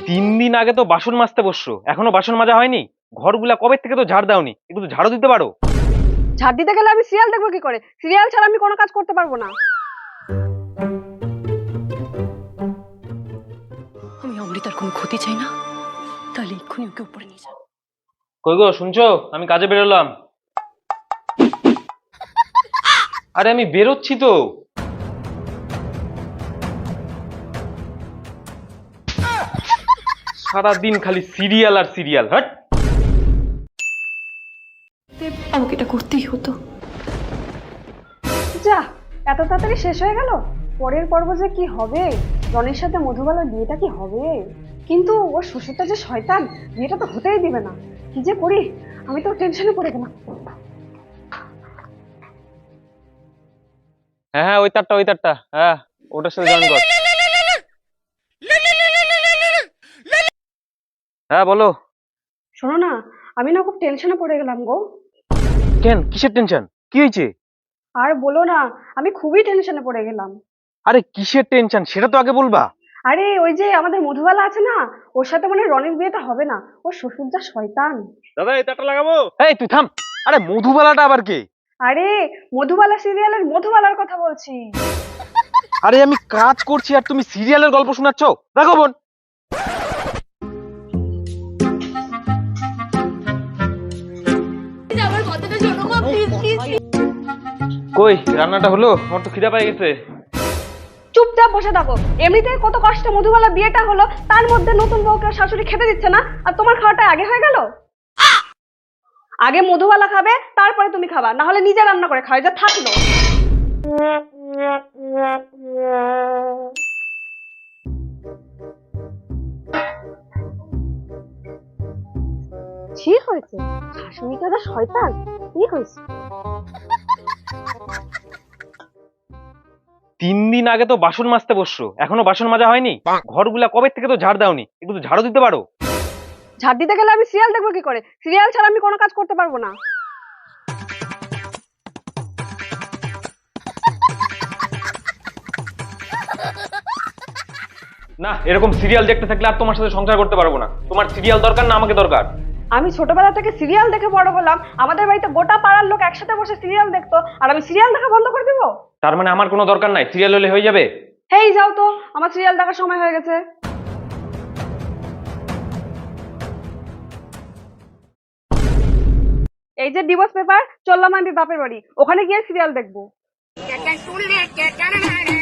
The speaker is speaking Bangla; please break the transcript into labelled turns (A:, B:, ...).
A: 3 দিন আগে তো বাসন মাজতে বসছো, এখনো বাসন মাজা হয়নি? ঘরগুলা কবে থেকে তো ঝাড় দাওনি, একটু তো ঝাড়ু দিতে পারো।
B: ঝাড় দিতে গেলে আমি সিরিয়াল দেখবো কি করে? সিরিয়াল ছাড়া আমি কোনো কাজ করতে পারবো না।
C: আমি অমৃতার কোনো ক্ষতি চাই না, তাহলে এক্ষুনি ওকে উপরে নিয়ে যান।
A: কই গো, শুনছো? আমি কাজে বেরোলাম। আরে আমি বেরোচ্ছি তো। সারাদিন খালি সিরিয়াল আর সিরিয়াল। হট।
C: আমাকে এটা করতেই হতো।
B: যা, এত তাড়াতাড়ি শেষ হয়ে গেল। পরের পর্ব যে কি হবে, রনির সাথে মধুবালার বিয়েটা কি হবে? কিন্তু ওর শ্বশুরটা যে শয়তান, বিয়েটা তো হতেই দিবে না। কি যে করি, আমি তো টেনশনে পড়ে গেলাম।
A: হ্যাঁ হ্যাঁ, ওই তারটা, হ্যাঁ ওটার সাথে জয়েন কর। হ্যাঁ বলো।
B: শোনো না, আমি না খুব টেনশনে পড়ে গেলাম গো।
A: কেন, কিসের টেনশন? কি হয়েছে?
B: আর বলো না, আমি খুবই টেনশনে পড়ে গেলাম।
A: আরে কিসের টেনশন সেটা তো আগে বলবা।
B: আরে ওই যে আমাদের মধুবালা আছে না, ওর সাথে মানে রনির বিয়েটা হবে না। ওর শ্বশুর যা শয়তান।
A: দাদা এই তারটা লাগাবো। এই তুই থাম। আরে মধুবালাটা আবার কে?
B: আরে মধুবালা সিরিয়ালের মধুবালার কথা বলছি।
A: আরে আমি কাজ করছি আর তুমি সিরিয়ালের গল্প শোনাচ্ছ? দেখো বোন। কই রান্নাটা হলো? আমার তো খিদা পেয়ে গেছে।
B: চুপচাপ বসে থাকো। এমনিতেই কত কষ্টে মধুবালা বিয়েটা হলো, তার মধ্যে নতুন বউকে শাশুড়ি খেতে দিচ্ছে না, আর তোমার খাওয়াটা আগে হয়ে গেল। আগে মধুবালা খাবে, তারপরে তুমি খাবা, না হলে নিজে রান্না করে খাওয়া যা থাকলো। কি হয়েছে? শাশুড়িটা যা শয়তান। কি হয়েছে?
A: 3 দিন আগে তো বাসন মাজতে বসছো, এখনো বাসন মাজা হয়নি? ঘরগুলা কবে থেকে তো ঝাড় দাওনি, একটু তো ঝাড়ু দিতে পারো।
B: ঝাড় দিতে গেলে আমি সিরিয়াল দেখবো কি করে? সিরিয়াল ছাড়া আমি কোনো কাজ করতে পারবো না।
A: না, এরকম সিরিয়াল দেখতে থাকলে আর তোমার সাথে সংসার করতে পারবো না। তোমার সিরিয়াল দরকার না আমাকে দরকার?
B: আমি ছোটবেলা থেকে সিরিয়াল দেখে বড় হলাম, আমাদের বাড়িতে গোটা পাড়ার লোক একসাথে বসে সিরিয়াল দেখতো, আর আমি সিরিয়াল দেখা বন্ধ করে দিব?
A: তার মানে আমার কোনো দরকার নাই, সিরিয়াল হলে হয়ে যাবে?
B: হেই যাও তো, আমার সিরিয়াল দেখার সময় হয়ে গেছে। এই যে ডিভোর্স পেপার, চললাম আমি বাপের বাড়ি, ওখানে গিয়ে সিরিয়াল দেখবো।